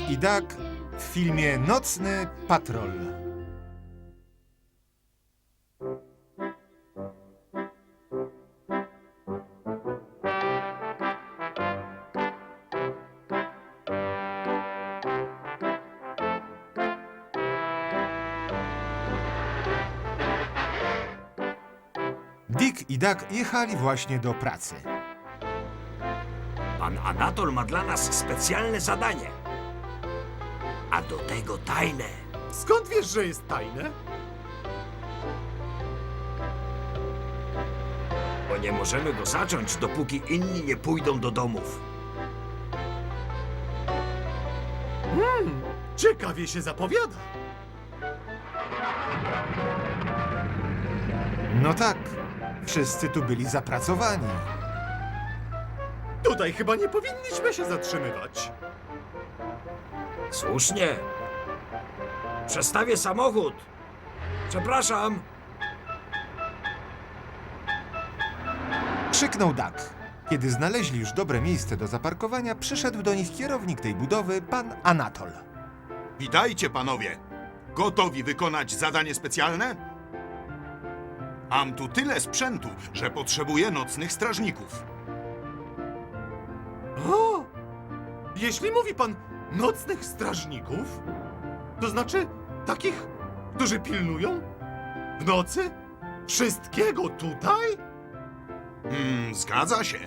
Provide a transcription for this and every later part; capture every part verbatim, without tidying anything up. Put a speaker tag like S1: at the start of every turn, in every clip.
S1: i Duck w filmie Nocny Patrol. Dick i Duck jechali właśnie do pracy.
S2: Pan Anatol ma dla nas specjalne zadanie. A do tego tajne.
S3: Skąd wiesz, że jest tajne?
S2: Bo nie możemy go zacząć, dopóki inni nie pójdą do domów.
S3: Ciekawie się zapowiada.
S1: No tak, wszyscy tu byli zapracowani.
S3: Tutaj chyba nie powinniśmy się zatrzymywać.
S2: Słusznie. Przestawię samochód. Przepraszam.
S1: Krzyknął Duck. Kiedy znaleźli już dobre miejsce do zaparkowania, przyszedł do nich kierownik tej budowy, pan Anatol.
S4: Witajcie, panowie. Gotowi wykonać zadanie specjalne? Mam tu tyle sprzętu, że potrzebuję nocnych strażników.
S3: O! Jeśli mówi pan nocnych strażników, to znaczy takich, którzy pilnują w nocy wszystkiego tutaj?
S4: Hmm, zgadza się.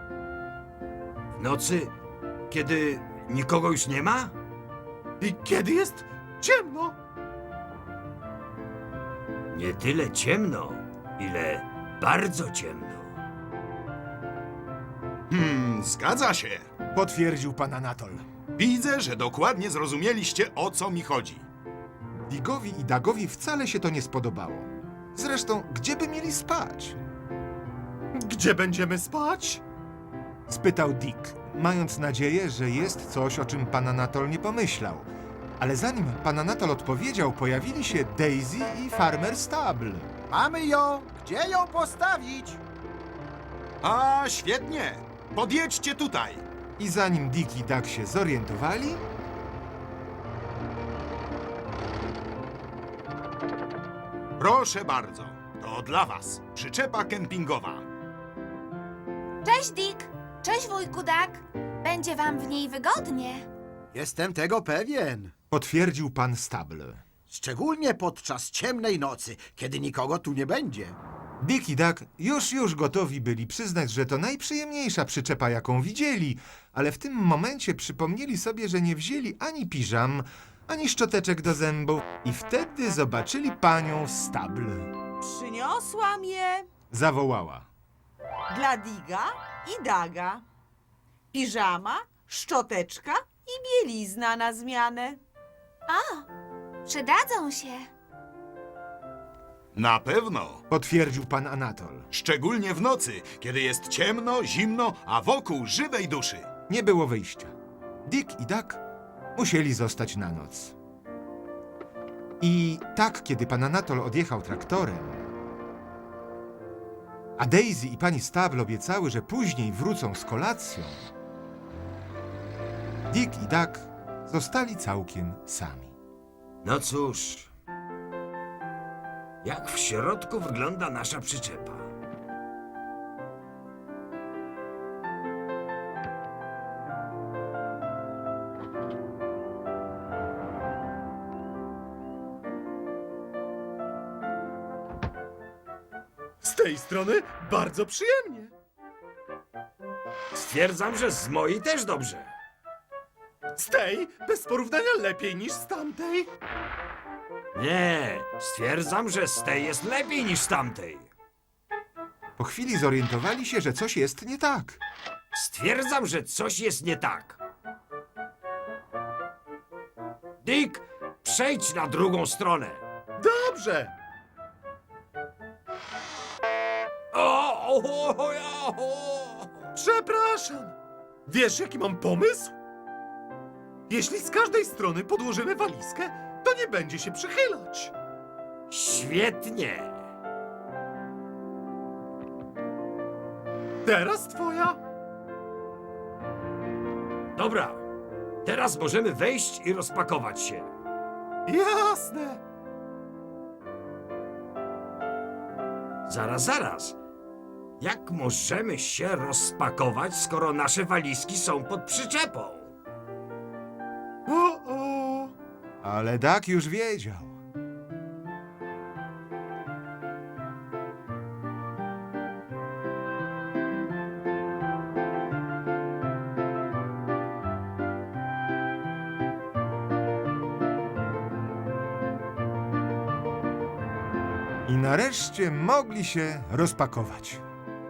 S2: W nocy, kiedy nikogo już nie ma?
S3: I kiedy jest ciemno?
S2: Nie tyle ciemno, ile bardzo ciemno.
S4: Hmm, zgadza się.
S1: Potwierdził pan Anatol.
S4: Widzę, że dokładnie zrozumieliście, o co mi chodzi.
S1: Dickowi i Duckowi wcale się to nie spodobało. Zresztą, gdzie by mieli spać?
S3: Gdzie będziemy spać?
S1: Spytał Dick, mając nadzieję, że jest coś, o czym pan Anatol nie pomyślał. Ale zanim pan Anatol odpowiedział, pojawili się Daisy i Farmer Stable.
S5: Mamy ją! Gdzie ją postawić?
S4: A, świetnie. Podjedźcie tutaj.
S1: I zanim Dick i Duck się zorientowali,
S4: Proszę bardzo. To dla was. Przyczepa kempingowa.
S6: Cześć, Dick! Cześć, wujku Duck! Będzie wam w niej wygodnie.
S5: Jestem tego pewien.
S1: potwierdził pan Stable.
S5: Szczególnie podczas ciemnej nocy, kiedy nikogo tu nie będzie.
S1: Dick i Duck już już gotowi byli przyznać, że to najprzyjemniejsza przyczepa, jaką widzieli, ale w tym momencie przypomnieli sobie, że nie wzięli ani piżam, ani szczoteczek do zębów i wtedy zobaczyli panią Stable.
S7: Przyniosłam je
S1: Zawołała.
S7: dla Diga i Daga. Piżama, szczoteczka i bielizna na zmianę.
S6: O, przydadzą się.
S4: Na pewno.
S1: Potwierdził pan Anatol.
S4: Szczególnie w nocy, kiedy jest ciemno, zimno, a wokół żywej duszy.
S1: Nie było wyjścia. Dick i Duck musieli zostać na noc. I tak, kiedy pan Anatol odjechał traktorem, a Daisy i pani Stable obiecały, że później wrócą z kolacją, Dick i Duck zostali całkiem sami.
S2: No cóż, jak w środku wygląda nasza przyczepa?
S3: Z tej strony bardzo przyjemnie.
S2: Stwierdzam, że z mojej też dobrze.
S3: Z tej bez porównania lepiej niż z tamtej.
S2: Nie, stwierdzam, że z tej jest lepiej niż z tamtej.
S1: Po chwili zorientowali się, że coś jest nie tak.
S2: Stwierdzam, że coś jest nie tak. Dick, przejdź na drugą stronę.
S3: Dobrze.
S2: O, o, o, o, o.
S3: Przepraszam. Wiesz, jaki mam pomysł? Jeśli z każdej strony podłożymy walizkę, to nie będzie się przychylać.
S2: Świetnie.
S3: Teraz twoja.
S2: Dobra, Teraz możemy wejść i rozpakować się.
S3: Jasne.
S2: Zaraz, zaraz. Jak możemy się rozpakować, skoro nasze walizki są pod przyczepą?
S3: O, o.
S1: Ale Dak już wiedział. I nareszcie mogli się rozpakować.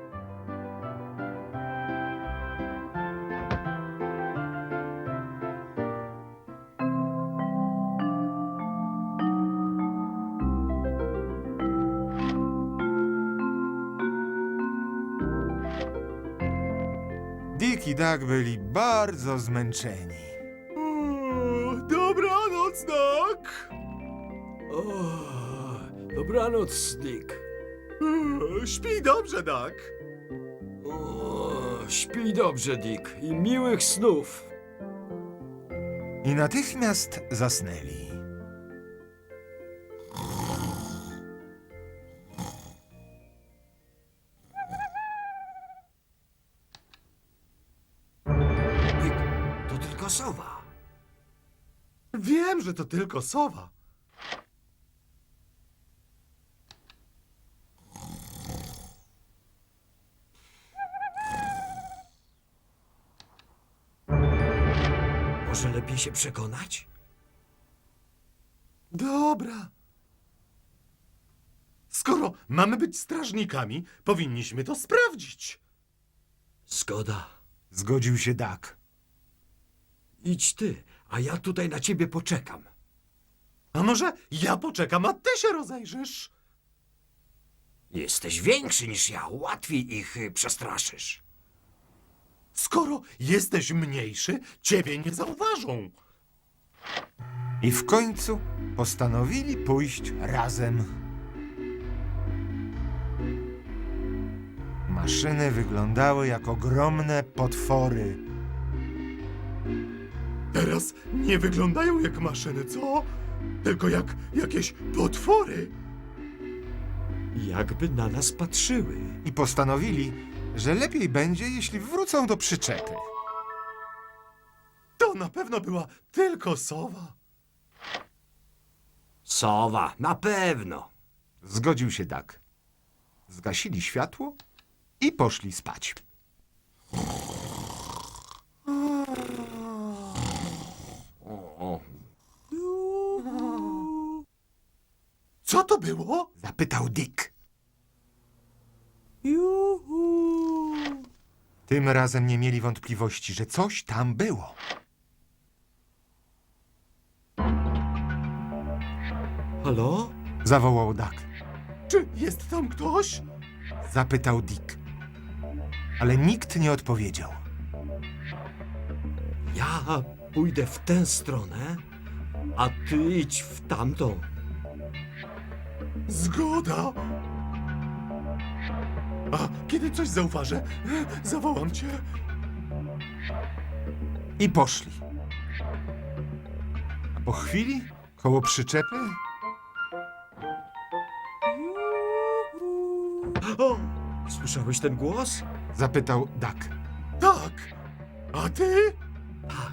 S1: Dick i Dak byli bardzo zmęczeni.
S3: O, dobranoc, Dak.
S2: O, dobranoc, Dick.
S3: O, śpi dobrze, Dak.
S2: O, śpij dobrze, Dick, i miłych snów.
S1: I natychmiast zasnęli.
S2: Dick, to tylko sowa.
S3: Wiem, że to tylko sowa.
S2: Może lepiej się przekonać?
S3: Dobra. Skoro mamy być strażnikami, powinniśmy to sprawdzić.
S2: Zgoda.
S1: Zgodził się Dak.
S2: Idź ty, a ja tutaj na ciebie poczekam.
S3: A może ja poczekam, a ty się rozejrzysz?
S2: Jesteś większy niż ja, łatwiej ich y, przestraszysz.
S3: Skoro jesteś mniejszy, ciebie nie zauważą.
S1: I w końcu postanowili pójść razem. Maszyny wyglądały jak ogromne potwory.
S3: Teraz nie wyglądają jak maszyny, co? Tylko jak jakieś potwory.
S2: Jakby na nas patrzyły.
S1: I postanowili, że lepiej będzie, jeśli wrócą do przyczepy.
S3: To na pewno była tylko sowa.
S2: Sowa, na pewno.
S1: Zgodził się Dak. Zgasili światło i poszli spać.
S2: O,
S3: Co to było?
S1: Zapytał Dick.
S7: Juhu.
S1: Tym razem nie mieli wątpliwości, że coś tam było.
S2: halo?
S1: Zawołał Dak.
S3: Czy jest tam ktoś?
S1: Zapytał Dick. Ale nikt nie odpowiedział.
S2: Ja pójdę w tę stronę, a ty idź w tamtą.
S3: Zgoda. A kiedy coś zauważę, zawołam cię.
S1: I poszli. A po chwili, koło przyczepy,
S2: O, słyszałeś ten głos?
S1: zapytał Dak.
S3: Tak. A ty?
S2: Tak.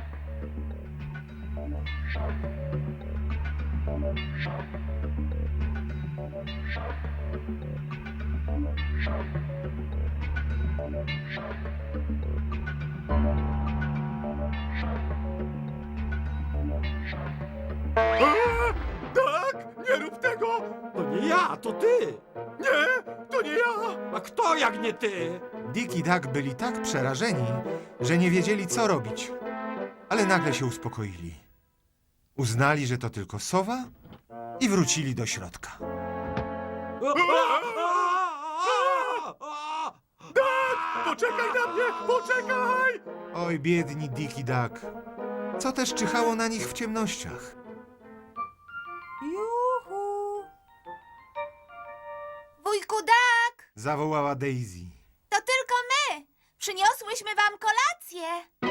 S3: A, tak, nie rób tego.
S2: To nie ja, to ty.
S3: Nie, to nie ja.
S2: A kto jak nie ty?
S1: Dick i Dak byli tak przerażeni, że nie wiedzieli, co robić. Ale nagle się uspokoili. Uznali, że to tylko sowa i wrócili do środka.
S3: Poczekaj na mnie, poczekaj.
S1: Oj, biedni Dick i Dak. Co też czyhało na nich w ciemnościach?
S7: Juhu.
S6: Wujku Dak,
S1: Zawołała Daisy.
S6: to tylko my. Przyniosłyśmy wam kolację.